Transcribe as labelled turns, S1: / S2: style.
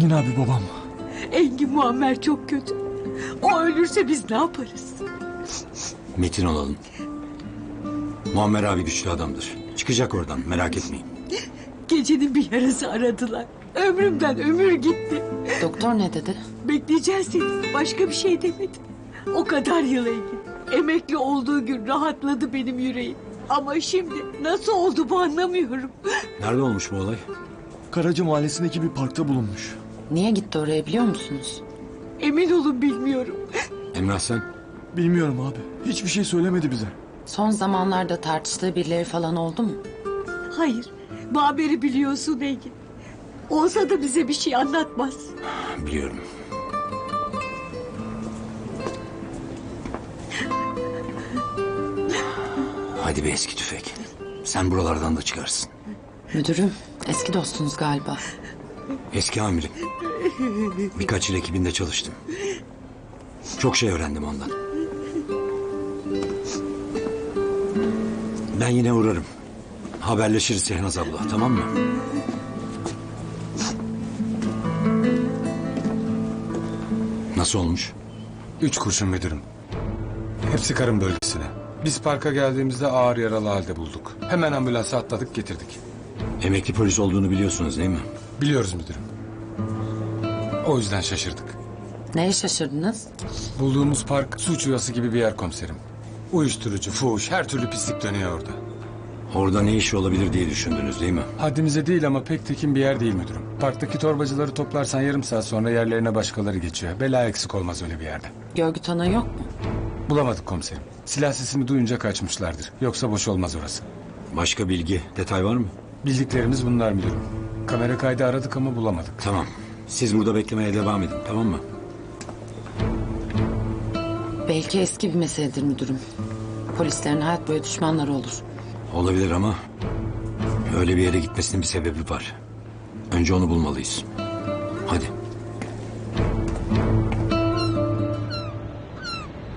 S1: Engin abi babam.
S2: Engin Muammer çok kötü. O ölürse biz ne yaparız?
S3: Metin olalım. Muammer abi güçlü adamdır. Çıkacak oradan, merak etmeyin.
S2: Gecenin bir yarısı aradılar. Ömrümden ömür gitti.
S4: Doktor ne dedi?
S2: Bekleyeceğiz dedi. Başka bir şey demedi. O kadar yıl Engin. Emekli olduğu gün rahatladı benim yüreğim. Ama şimdi nasıl oldu bu anlamıyorum.
S3: Nerede olmuş bu olay?
S1: Karaca Mahallesi'ndeki bir parkta bulunmuş.
S4: Niye gitti oraya biliyor musunuz?
S2: Emin olun bilmiyorum.
S3: Emrah sen?
S1: Bilmiyorum abi. Hiçbir şey söylemedi bize.
S4: Son zamanlarda tartıştığı birileri falan oldu mu?
S2: Hayır. Bu haberi biliyorsun Engin. Olsa da bize bir şey anlatmaz.
S3: Biliyorum. Hadi be eski tüfek. Sen buralardan da çıkarsın.
S4: Müdürüm, eski dostunuz galiba.
S3: Eski amirim. Birkaç yıl ekibinde çalıştım. Çok şey öğrendim ondan. Ben yine uğrarım. Haberleşiriz Sehnaz abla, tamam mı? Nasıl olmuş?
S5: 3 kurşun müdürüm. Hepsi karın bölgesine. Biz parka geldiğimizde ağır yaralı halde bulduk. Hemen ambulansa atladık getirdik.
S3: Emekli polis olduğunu biliyorsunuz değil mi?
S5: Biliyoruz müdürüm. O yüzden şaşırdık.
S4: Neye şaşırdınız?
S5: Bulduğumuz park suç yuvası gibi bir yer komiserim. Uyuşturucu, fuhuş, her türlü pislik dönüyor orada.
S3: Orada ne işi olabilir diye düşündünüz değil mi?
S5: Haddimize değil ama pek tekin bir yer değil müdürüm. Parktaki torbacıları toplarsan yarım saat sonra yerlerine başkaları geçiyor. Bela eksik olmaz öyle bir yerde.
S4: Görgü tanığı yok mu?
S5: Bulamadık komiserim. Silah sesini duyunca kaçmışlardır. Yoksa boş olmaz orası.
S3: Başka bilgi, detay var mı?
S5: Bildiklerimiz bunlar müdürüm. Kamera kaydı aradık ama bulamadık.
S3: Tamam. Siz burada beklemeye devam edin, tamam mı?
S4: Belki eski bir meseledir müdürüm. Polislerin hayat boyu düşmanları olur.
S3: Olabilir ama öyle bir yere gitmesinin bir sebebi var. Önce onu bulmalıyız. Hadi.